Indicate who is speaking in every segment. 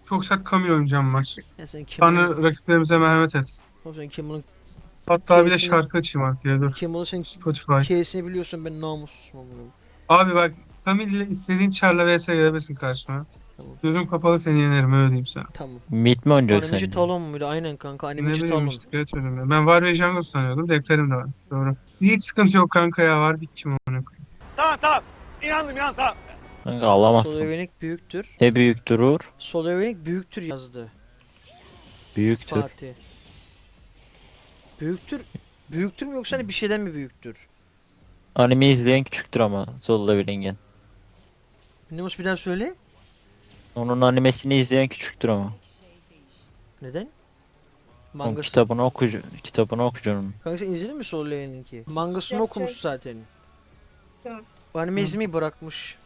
Speaker 1: çok sert Kamil oynayacağım maç.
Speaker 2: Ya sen Kimur'un...
Speaker 1: Tanrı rakiplerimize merhamet etsin.
Speaker 2: Oğlum sen Kimur'un
Speaker 1: Hatta bir de
Speaker 2: K'sini...
Speaker 1: şarkı açayım arkaya dur.
Speaker 2: Kimur'un sen
Speaker 1: Spotify.
Speaker 2: K'sini biliyorsun, ben namussuzum amına.
Speaker 1: Abi bak Kamil ile istediğin çarla vs gelebilirsin karşıma.
Speaker 2: Tamam.
Speaker 1: Gözüm kapalı seni yenerim öyle diyeyim sana.
Speaker 2: Tamam.
Speaker 3: Mid mi oynayacak
Speaker 2: Animeci
Speaker 3: sence?
Speaker 2: Talon muydu? Aynen kanka,
Speaker 1: Ne
Speaker 2: Animeci
Speaker 1: bileyim
Speaker 2: Talon.
Speaker 1: işte geçmedim ya. Ben var ve jungle sanıyordum. Defterim de var. Doğru. Hiç sıkıntı yok kanka ya. Var bir kim onu.
Speaker 4: Tamam tamam. İnandım inan tamam.
Speaker 3: Kanka alamazsın.
Speaker 2: Slovenik büyüktür.
Speaker 3: Ne büyük durur?
Speaker 2: Slovenik büyüktür yazdı
Speaker 3: Büyüktür.
Speaker 2: Fatih. Büyüktür. Büyüktür mü yoksa hani bir şeyden mi büyüktür?
Speaker 3: Anime izleyen küçüktür ama Solo Leveling'in.
Speaker 2: Nimus bir daha söyle.
Speaker 3: Onun animesini izleyen küçüktür ama.
Speaker 2: Neden?
Speaker 3: Onun
Speaker 2: Mangası.
Speaker 3: kitabını okuyacaksın.
Speaker 2: Kanka sen izledin mi Solo Leveling'i? Mangasını okumuş zaten. Bu anime izlemeyi bırakmış.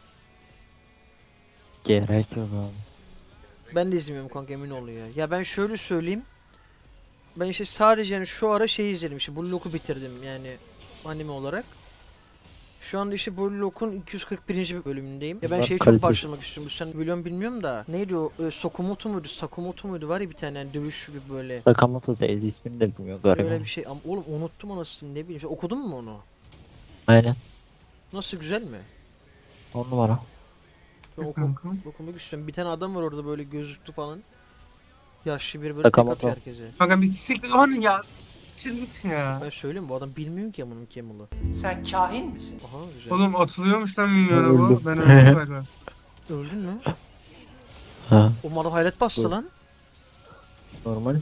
Speaker 3: Gerek yok abi.
Speaker 2: Ben de izlemiyorum kanka, emin ol ya. Ya ben şöyle söyleyeyim. Ben işte sadece yani şu ara şey izledim, işte Blue Lock'u bitirdim yani anime olarak. Şu anda işte Blue Lock'un 241. bölümündeyim. Ya ben
Speaker 3: Bunlar
Speaker 2: şeye çok
Speaker 3: kalitesiz.
Speaker 2: başlamak istiyorum. Bu sen biliyor musun bilmiyorum da. Neydi o? Sokomoto muydu? Sakamoto muydu? Var ya bir tane yani dövüş gibi böyle.
Speaker 3: Sakamoto değil, ismini de bilmiyor galiba.
Speaker 2: Öyle bir şey. Ama oğlum unuttum anasını, ne bileyim. İşte okudun mu onu?
Speaker 3: Aynen.
Speaker 2: Nasıl, güzel mi?
Speaker 3: 10 numara.
Speaker 2: Ben
Speaker 1: Kanka.
Speaker 2: okumak istiyorum. Bir tane adam var orada böyle gözlüklü falan. Yaşlı bir böyle tek
Speaker 3: Sakamoto.
Speaker 2: atıyor herkese.
Speaker 1: Kanka bir siktir onu ya. Siktir git ya.
Speaker 2: Ben söyleyeyim, bu adam bilmiyor ki amının Kemal'ı.
Speaker 4: Sen kahin misin?
Speaker 2: Aha, güzel.
Speaker 1: Oğlum atılıyormuş lan minyona bu.
Speaker 3: Öldüm.
Speaker 1: Ben öldüm galiba.
Speaker 2: Öldün mü?
Speaker 3: Ha,
Speaker 2: O adam hayret bastı
Speaker 3: Öldüm.
Speaker 2: lan.
Speaker 3: normal.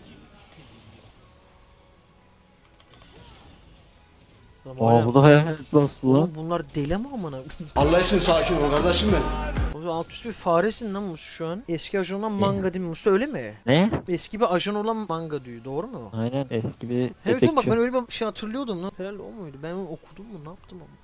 Speaker 2: Adam hala-
Speaker 3: Aa bu da hayalet nasıl lan?
Speaker 2: Oğlum bunlar deli mi amına?
Speaker 4: Allah için sakin ol kardeşim benim.
Speaker 2: O alt üst bir faresin lan Musu şu an. Eski ajan olan manga değil mi Musu, öyle mi?
Speaker 3: Ne?
Speaker 2: Eski bir ajan olan manga diyor, doğru mu?
Speaker 3: Aynen eski bir
Speaker 2: Evet oğlum, bak
Speaker 3: dedektif.
Speaker 2: ben öyle bir şey hatırlıyordum lan. Herhalde o muydu? Ben onu okudum mu, ne yaptım ama.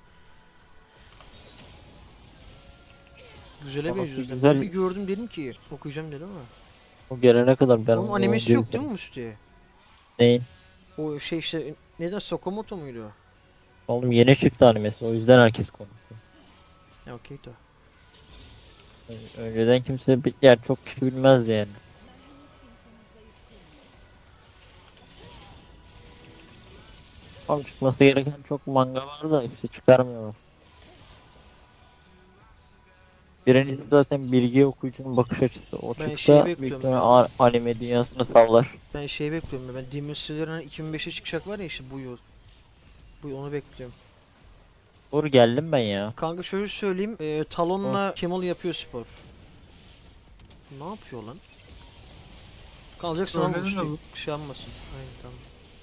Speaker 2: Güzele
Speaker 3: Ama
Speaker 2: benziyor.
Speaker 3: güzel-
Speaker 2: Ben bir gördüm dedim ki okuyacağım dedim ama.
Speaker 3: O gelene kadar ben
Speaker 2: Onun
Speaker 3: onu
Speaker 2: animesi yok değil mi Musu diye?
Speaker 3: Neyin?
Speaker 2: O şey işte neden, Sakamoto muydu?
Speaker 3: Oğlum yeni çıktı animesi, o yüzden herkes konuşuyor.
Speaker 2: Ya okey de.
Speaker 3: Önceden kimse yani çok kişi bilmezdi yani. Ama çıkması gereken çok manga var da işte çıkarmıyorlar. Birincisi zaten bilgi okuyucunun bakış açısı. O
Speaker 2: Ben
Speaker 3: çıksa
Speaker 2: şeyi
Speaker 3: büyük
Speaker 2: bekliyorum.
Speaker 3: ihtimalle anime dünyasını sallar.
Speaker 2: Ben şey bekliyorum ya. Ben Demon Slayer'ın 2005'e çıkacak var ya işte bu yıl. Bu yıl onu bekliyorum.
Speaker 3: Doğru geldim ben ya.
Speaker 2: Kanka şöyle söyleyeyim. Talon'la Kemal yapıyor spor. Ne yapıyor lan? Kalacaksın
Speaker 1: Öyle
Speaker 2: olmuş
Speaker 1: de
Speaker 2: diye.
Speaker 1: bu.
Speaker 2: Şey yapmasın. Aynen, tamam.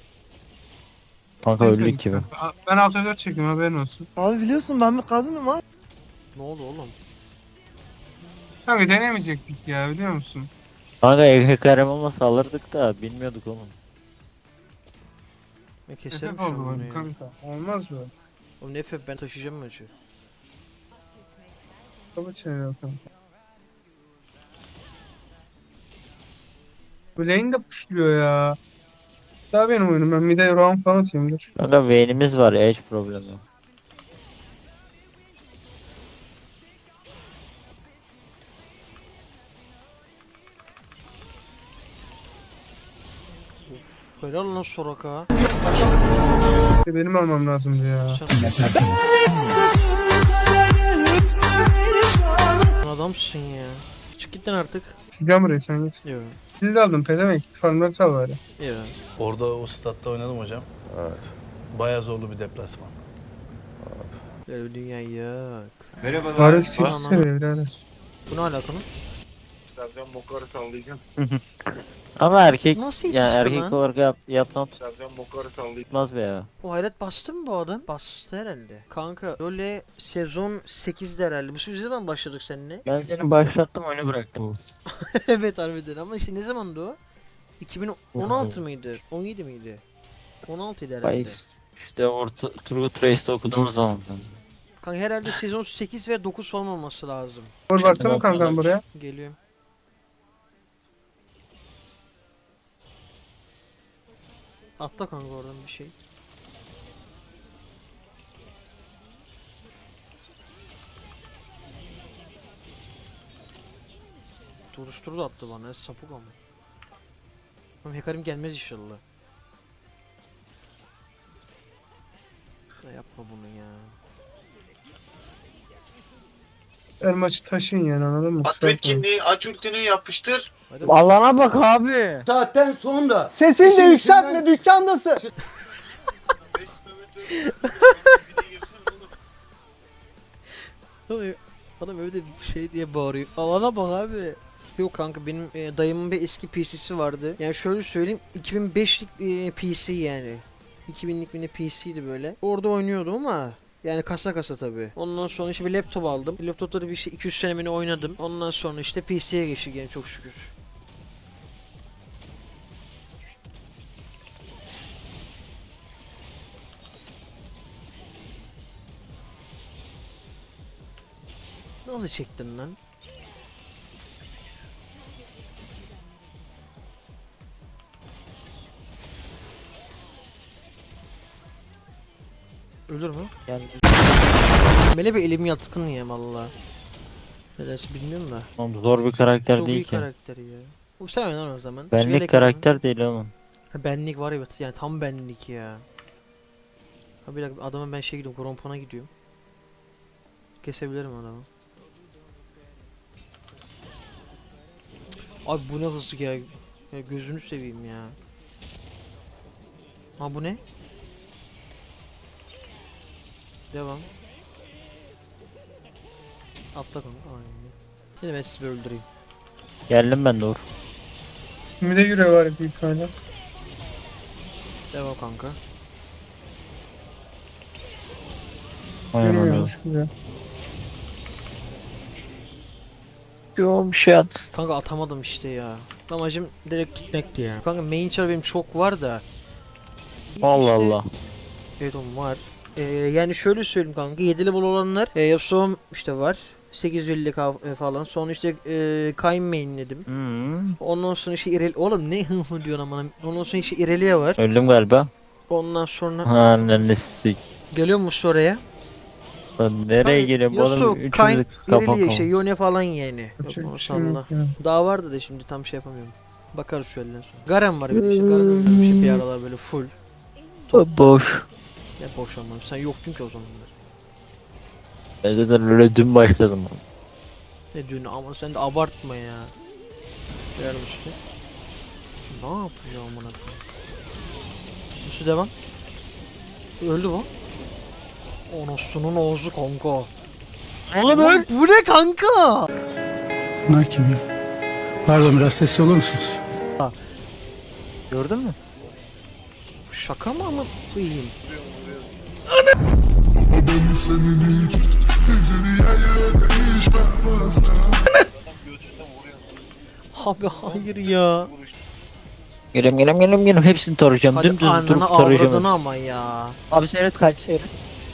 Speaker 3: Kanka
Speaker 1: Neyse
Speaker 3: öldük gibi.
Speaker 1: kanka. Ben alta 4 çektim haberin olsun.
Speaker 5: Abi biliyorsun ben bir kadınım ha.
Speaker 2: Ne oldu oğlum?
Speaker 1: Kanka denemeyecektik ya biliyor musun?
Speaker 3: Kanka Ekrem olmasa alırdık da bilmiyorduk oğlum.
Speaker 2: Ben keserim
Speaker 1: Efek
Speaker 2: şu an
Speaker 1: oldu
Speaker 2: bunu
Speaker 1: bak
Speaker 2: ya.
Speaker 1: kanka. Olmaz böyle.
Speaker 2: Oğlum ne ben taşıyacağım maçı.
Speaker 1: Kaba çeviriyor kanka. Bu lane de pushluyor ya. Daha benim oyunum. Ben bir de round falan atayım dur.
Speaker 3: Kanka Vayne'imiz var ya, hiç problem yok.
Speaker 2: Helal lan Soraka.
Speaker 1: Benim almam lazımdı ya.
Speaker 2: Sen adamsın ya. Çık git lan artık.
Speaker 1: Çıkacağım buraya sen git.
Speaker 2: Yok.
Speaker 1: Siz de aldım pezevenk. Farmları sal bari.
Speaker 2: Yok.
Speaker 6: Orada o statta oynadım hocam.
Speaker 7: Evet.
Speaker 6: Bayağı zorlu bir deplasman.
Speaker 2: Böyle bir dünya yok.
Speaker 1: Varlık 8
Speaker 2: Ana.
Speaker 1: seviye birader.
Speaker 2: Bu ne alakalı?
Speaker 7: Sercan Bokar'ı sallayacağım.
Speaker 3: Ama erkek
Speaker 2: Nasıl
Speaker 3: yani
Speaker 2: yetişti
Speaker 3: erkek
Speaker 2: lan?
Speaker 3: olarak yaptan
Speaker 7: Sercan Bokar'ı sallayacağım.
Speaker 3: tutmaz be ya.
Speaker 2: O hayret bastı mı bu adam? Bastı herhalde. Kanka öyle sezon 8'de herhalde. Bu ne zaman başladık seninle?
Speaker 3: Ben seni başlattım, oyunu bıraktım.
Speaker 2: Evet harbiden, ama işte ne zamandı o? 2016 mıydı? 17 miydi? 16 idi
Speaker 3: Ay
Speaker 2: herhalde.
Speaker 3: işte orta Turgut Reis'te okuduğumuz zaman.
Speaker 2: Kanka herhalde sezon 8 ve 9 falan olması lazım.
Speaker 1: Vur baktın mı kankam buraya?
Speaker 2: Geliyorum. Atla kanka oradan bir şey. Tutuşturu da attı bana. Sapık ama. Oğlum Hekarim gelmez inşallah. Ya yapma bunu ya.
Speaker 1: Her maçı taşın yani, anladın mı?
Speaker 7: At etkinliği, aç ultini yapıştır.
Speaker 2: Hadi
Speaker 5: Allah'ına bak abi.
Speaker 4: Saatten sonra
Speaker 5: Sesini de yükseltme, dükkandasın.
Speaker 7: 5 kilometre dibine girsen oğlum.
Speaker 2: Adam öyle şey diye bağırıyor. Alana bak abi. Yok kanka benim dayımın bir eski PC'si vardı. Yani şöyle söyleyeyim 2005'lik PC yani. 2000'lik bir PC'ydi böyle. Orada oynuyordum ama yani kasa kasa tabi. Ondan sonra işte bir laptop aldım. Laptopta da bir şey 200 senemini oynadım. Ondan sonra işte PC'ye geçtik yani çok şükür. Nasıl çektin lan? Ölür mü?
Speaker 3: Yani
Speaker 2: Mele bir elim yatkın ya valla. Nedense bilmiyorum da.
Speaker 3: oğlum zor bir karakter
Speaker 2: Çok iyi
Speaker 3: değil ki.
Speaker 2: karakter ya. O sen oynan o zaman.
Speaker 3: Benlik
Speaker 2: Şeyle
Speaker 3: karakter değil oğlum.
Speaker 2: Ha, benlik var evet yani tam benlik ya. Ha bir dakika adama ben şey gidiyorum Grompona gidiyorum. Kesebilirim adamı. Abi bu ne hızlı ya. Ya gözünü seveyim ya. Ha bu ne? Devam. Atla kanka. Aynen. Yine ben sizi bir öldüreyim.
Speaker 3: Geldim ben de Uğur.
Speaker 1: Bir de yüre var büyük ihtimalle.
Speaker 2: Devam kanka.
Speaker 3: Aynen öyle.
Speaker 1: Yürümüyormuş güzel.
Speaker 3: Yoğun bir şey at.
Speaker 2: Kanka atamadım işte ya. Amacım direkt gitmekti ya. Kanka main char benim çok var da.
Speaker 3: Allah
Speaker 2: İşte-
Speaker 3: Allah.
Speaker 2: Evet oğlum var. Yani şöyle söyleyeyim kanka 7 level olanlar Yasuo'm işte var. 850 falan. Sonra işte Kayn mainledim.
Speaker 3: Hmm.
Speaker 2: Ondan sonra işte oğlum ne hı hı diyorsun aman. Ondan sonra işte Irelia var.
Speaker 3: Öldüm galiba.
Speaker 2: Ondan sonra
Speaker 3: Ananı sik.
Speaker 2: geliyor musun oraya?
Speaker 3: Lan nereye geliyorum
Speaker 2: Yasuo,
Speaker 3: oğlum?
Speaker 2: Kayn,
Speaker 3: Üçümüzü kapak
Speaker 2: Irelia
Speaker 3: olmuş.
Speaker 2: işte Yone falan yani.
Speaker 1: Yapacak
Speaker 2: Yok,
Speaker 1: bir şey
Speaker 2: salla.
Speaker 1: yok ya.
Speaker 2: Daha vardı da şimdi tam şey yapamıyorum. Bakarız şöyle sonra. Garen var bir de işte. Garen öldürmüş bir aralar böyle full.
Speaker 3: Boş.
Speaker 2: Ne boş ama sen yoktun ki o zamanlar.
Speaker 3: Ben zaten öyle dün başladım.
Speaker 2: Ne diyorsun ama sen de abartma ya. Ver üstü. Ne yapıyor amına koyayım? Üstü devam. Öldü bu. Anasının ağzı kanka.
Speaker 3: Oğlum
Speaker 2: Lan bu ne kanka?
Speaker 8: Bunlar kim ya? Pardon biraz sesli olur musunuz?
Speaker 3: gördün mü?
Speaker 2: Şaka mı ama koyayım? Abi hayır ya.
Speaker 3: Geliyorum. Hepsini tarayacağım.
Speaker 2: Hadi
Speaker 3: Dümdüz
Speaker 2: ananı
Speaker 3: durup tarayacağım.
Speaker 2: avradını ama ya.
Speaker 3: Abi seyret kaç seyret.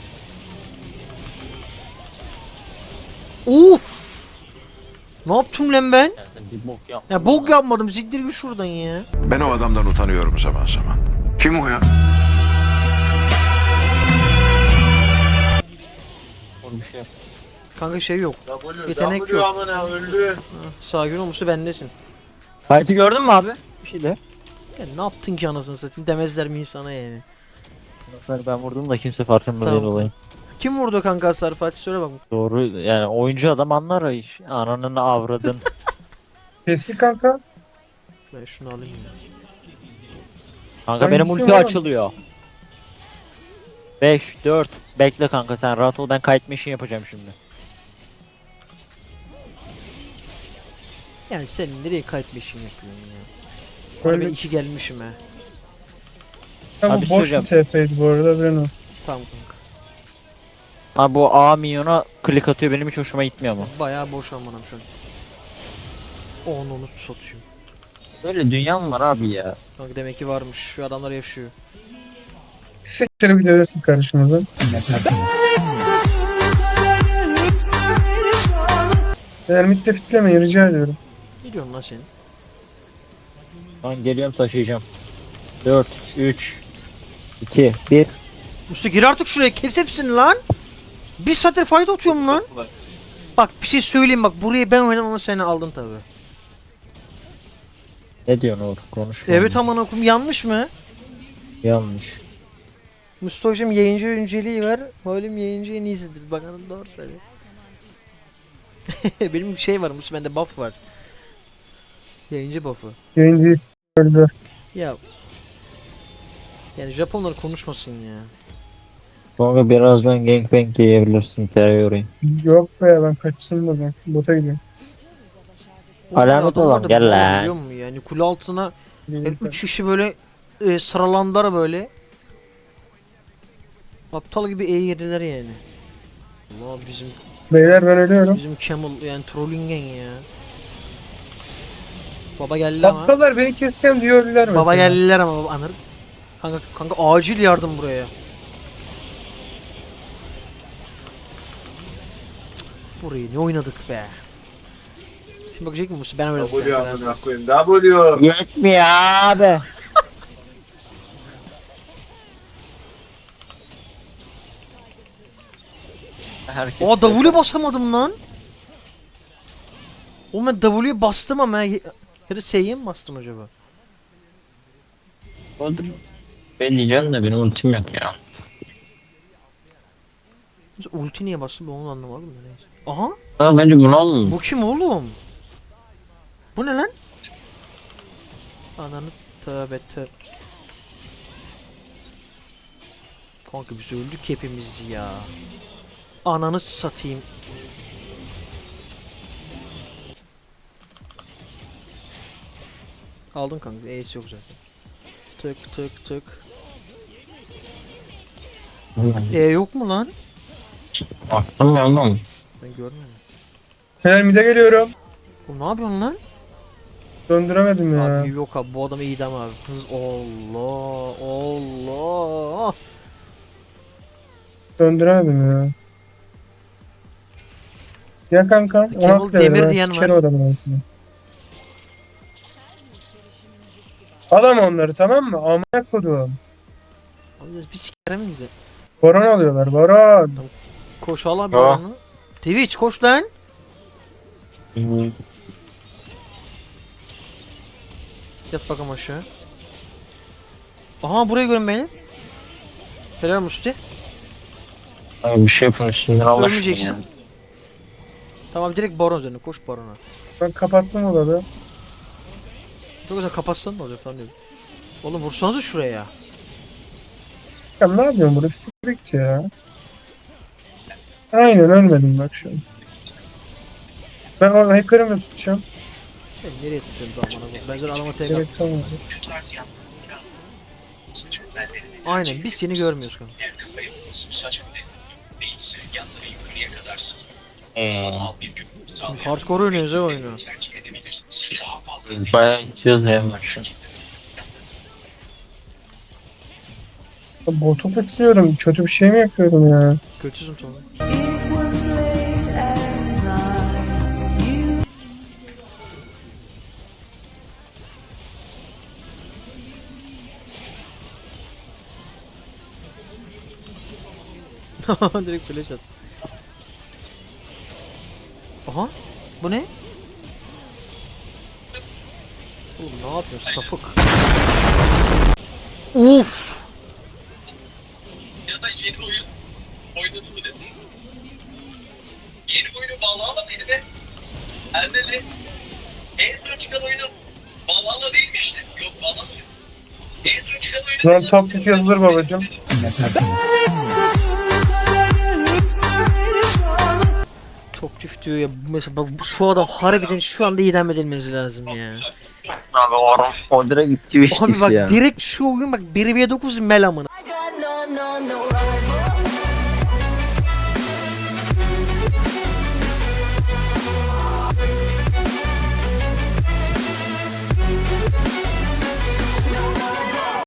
Speaker 2: Uf. Ne yaptım lan ben?
Speaker 3: Ya sen bir bok yap.
Speaker 2: Ya bok yapmadım siktir git şuradan ya.
Speaker 9: Ben o adamdan utanıyorum zaman zaman. Kim o ya?
Speaker 3: Oğlum bir şey yap.
Speaker 2: Kanka şey yok.
Speaker 7: W,
Speaker 2: Yetenek
Speaker 7: W
Speaker 2: yok.
Speaker 7: amına öldü.
Speaker 2: Sakin olmuşsa bendesin.
Speaker 3: Fight'ı gördün mü abi? Bir şey de.
Speaker 2: Ya ne yaptın ki anasını satayım demezler mi insana yani.
Speaker 3: Sınıfları ben vurdum da kimse farkında
Speaker 2: Tamam.
Speaker 3: değil olayım.
Speaker 2: Kim vurdu kanka hasar Fatih söyle bak.
Speaker 3: Doğru yani oyuncu adam anlar o iş. Ananın avradın.
Speaker 1: Kestik kanka.
Speaker 2: Ben şunu alayım ya.
Speaker 3: Kanka benim
Speaker 1: Hangisi
Speaker 3: ulti
Speaker 1: var?
Speaker 3: açılıyor. 5, 4. Bekle kanka sen rahat ol ben kite machine yapacağım şimdi.
Speaker 2: Yani sen nereye kaybetmişsin yapıyorsun ya. Bana ben
Speaker 1: Böyle
Speaker 2: 2 gelmişim he.
Speaker 1: Ama
Speaker 3: Abi
Speaker 1: boş bir TP'ydi bu arada, ben o.
Speaker 2: Tamam kanka.
Speaker 3: Abi bu A minyona klik atıyor benim hiç hoşuma gitmiyor ama.
Speaker 2: Bayağı boş amanım şu an. Onu satayım.
Speaker 3: Böyle dünya mı var abi ya?
Speaker 2: Kanka demek ki varmış. Şu adamlar yaşıyor.
Speaker 1: Siktir bir görürsün karşımızdan. Ermit'te fitlemeyin rica ediyorum.
Speaker 2: Ne diyorsun lan sen?
Speaker 3: Ben geliyorum taşıyacağım. 4, 3, 2, 1.
Speaker 2: Musa gir artık şuraya. Hepsini lan. Bir saattir fight atıyorum lan. Bak bir şey söyleyeyim bak. Burayı ben oynadım ama seni aldın tabi.
Speaker 3: Ne diyorsun Uğur? Konuşma.
Speaker 2: Evet aman okum yanlış mı?
Speaker 3: Yanlış.
Speaker 2: Mustafa'cığım yayıncı önceliği var. Halim yayıncı en iyisidir. Bakalım doğru söylüyor. Benim bir şey var. Mustafa bende buff var. Yayıncı buff'ı.
Speaker 1: Yayıncıyı öldü.
Speaker 2: Ya. Yani Japonlar konuşmasın ya.
Speaker 3: Sonra birazdan gangbang yiyebilirsin Terror'ı.
Speaker 1: Yok be ben kaçsın buradan. Bota gidiyorum.
Speaker 3: Alamet
Speaker 2: Adamlar
Speaker 3: olan,
Speaker 2: da
Speaker 3: gel
Speaker 2: bunu
Speaker 3: lan.
Speaker 2: biliyor musun yani kule altına
Speaker 1: Gelin
Speaker 2: 3 kişi böyle sıralandılar böyle. Aptal gibi eğirdiler yani. Allah
Speaker 1: Beyler ben ölüyorum.
Speaker 2: bizim Camel yani trollingen ya. Baba geldi ama.
Speaker 1: Aptallar beni keseceğim diyor öldüler mesela.
Speaker 2: Baba geldiler ama baba anır. Kanka acil yardım buraya. Cık, burayı ne oynadık be. Şimdi bakacak mısın? Ben öyle
Speaker 7: W amına koyayım. W.
Speaker 3: Yetmiyor abi. Herkes
Speaker 2: Aa W basamadım lan. Oğlum ben W'ye bastım ama ya da S'ye mi bastım acaba?
Speaker 3: Ben diyeceğim de benim ultim yok ya.
Speaker 2: Mesela ulti niye bastım ben onu anlamadım da neyse. Aha
Speaker 3: Ha, bence bunu alın.
Speaker 2: bu kim oğlum? Bu ne lan? Ananı tövbe tövbe. Kanka biz öldük hepimiz ya. Ananı satayım. Aldın kanka, Ace yok zaten. Tık tık tık. Yok mu lan?
Speaker 3: Aklım yandım.
Speaker 2: Ben görmüyorum.
Speaker 1: Beyler mide geliyorum.
Speaker 2: Oğlum ne yapıyorsun lan?
Speaker 1: Döndüremedim ya.
Speaker 2: Abi yok abi bu adam iyiydi ama abi. Allah Allah.
Speaker 1: Döndüremedim ya. Ya kanka.
Speaker 2: Kemal
Speaker 1: Ona
Speaker 2: Demir
Speaker 1: ben
Speaker 2: diyen
Speaker 1: sikerim
Speaker 2: var.
Speaker 1: adamın arasını. Alam onları tamam mı? Amına kodum.
Speaker 2: Abi bir sikerim bize.
Speaker 1: Baron alıyorlar baron.
Speaker 2: Koş al abi
Speaker 3: Ha.
Speaker 2: onu. Twitch koş lan. Yat bakalım aşağı. Aha burayı görün beni. Helal Musti.
Speaker 3: Abi bir şey yapın üstünden Allah aşkına
Speaker 2: Ölmeyeceksin.
Speaker 3: ya.
Speaker 2: Tamam direkt baron üzerine koş barona.
Speaker 1: Ben kapattım odada.
Speaker 2: Çok güzel kapatsan ne olacak falan diyorum. Oğlum vursanıza şuraya.
Speaker 1: Ya ne yapıyorsun burada? Psikologçi ya. Aynen ölmedim bak şu an. Ben o hacker'ımı da tutacağım.
Speaker 2: Ben nereye tutuyorum bu amına koyayım? Ben zaten adama tek
Speaker 1: Gerek kalmadı.
Speaker 2: Aynen biz seni görmüyoruz kanka. Hardcore oynuyoruz ya oyunu.
Speaker 3: Bayağı içiyoruz ya maçı.
Speaker 1: Botu tutuyorum. Kötü bir şey mi yapıyorum ya?
Speaker 2: Kötüsün sonra. Direkt flash at. Aha. Bu ne? Oğlum ne yapıyorsun sapık? Uf.
Speaker 4: Ya da yeni oyun oynadın mı dedin? Yeni oyunu Valhalla mıydı be? Erdeli. En son çıkan oyunu Valhalla değilmişti. Yok Valhalla. En son çıkan oyunu...
Speaker 1: Şu an top tip yazılır babacım.
Speaker 2: Top tüf diyor ya. Mesela bak şu adam harbiden şu anda idam edilmesi lazım ya.
Speaker 3: Abi o direkt gitti
Speaker 2: Abi
Speaker 3: işte
Speaker 2: bak
Speaker 3: ya.
Speaker 2: direkt şu oyun bak 1v9 mel amına.
Speaker 10: I got no